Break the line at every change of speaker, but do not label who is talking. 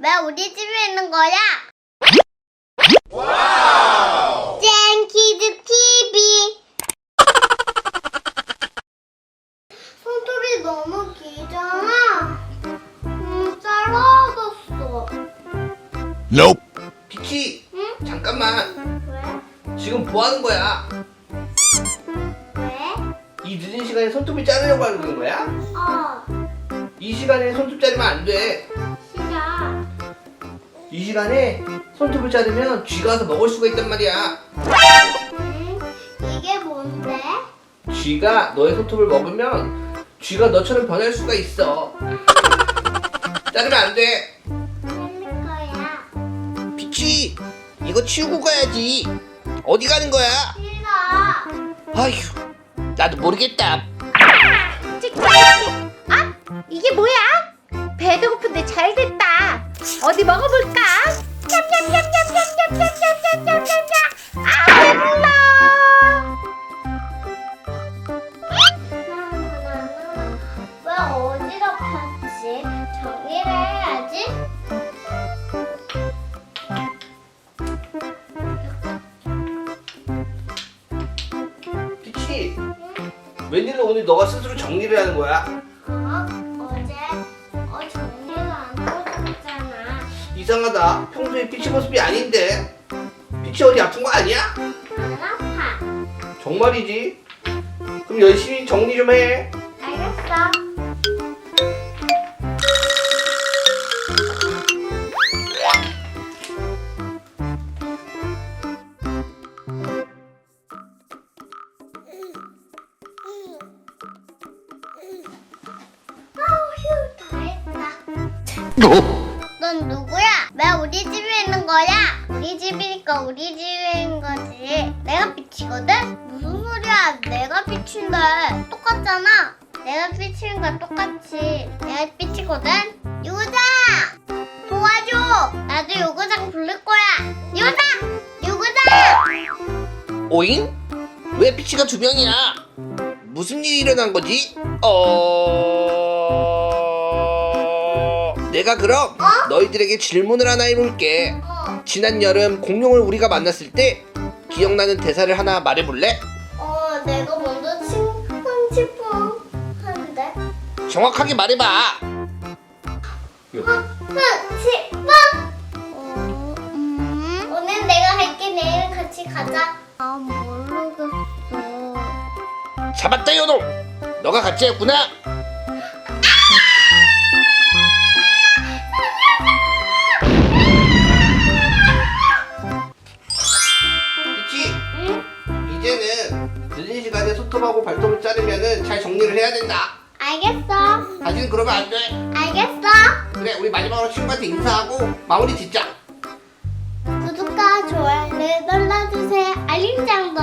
왜 우리 집에 있는 거야?
와우!
젠키즈 TV. 손톱이 너무 길잖아. 짧아졌어.
Nope. 피치,
응?
잠깐만.
왜?
지금 뭐 하는 거야?
왜?
이 늦은 시간에 손톱을 자르려고 하는 거야? 이 시간에 손톱 자르면 안 돼.
싫어.
이 시간에 손톱을 자르면 쥐가 와서 먹을 수가 있단 말이야.
이게 뭔데?
쥐가 너의 손톱을 먹으면 쥐가 너처럼 변할 수가 있어. 자르면 안 돼.
할 거야.
피치, 이거 치우고 가야지. 어디 가는 거야?
싫어.
아휴, 나도 모르겠다.
아, 이게 뭐야? 배도 고픈데 잘 됐다. 어디 먹어볼까? 냠냠냠냠냠냠냠냠냠냠냠. 아, 배불러.
왜 어지럽혔지? 정리를 해야지.
피치, 웬일로 오늘 너가 스스로 정리를 하는 거야?
어제 정리를 안 해줬잖아.
이상하다. 평소에 피치 모습이 아닌데. 피치 어디 아픈 거 아니야?
안 아파.
정말이지? 그럼 열심히 정리 좀 해.
알겠어. 휴, 다 했다. 넌 누구야? 왜 우리 집에 있는 거야? 우리 집이니까 우리 집에 있는 거지. 내가 빛이거든? 무슨 소리야? 내가 빛인데. 똑같잖아. 내가 빛인 거 똑같이. 내가 빛이거든? 유구장! 도와줘! 나도 유구장 부를 거야. 유구장! 유구장!
오잉? 왜 피치가 두 명이야? 무슨 일이 일어난 거지? 내가 그럼 너희들에게 질문을 하나 해볼게. 지난 여름 공룡을 우리가 만났을 때 기억나는 대사를 하나 말해볼래?
내가 먼저 칭칭 하는데.
정확하게 말해봐.
흥치빵! 오늘 내가 할게. 내일 같이 가자. 모르겠어.
잡았다 요놈. 너가 같이 했구나. 그치? 이제는 늦은 시간에 손톱하고 발톱을 자르면은 잘 정리를 해야 된다.
알겠어.
다시는 그러면 안 돼.
알겠어.
그래, 우리 마지막으로 친구한테 인사하고 마무리 짓자.
구독과 좋아요를 눌러주세요. 알림장도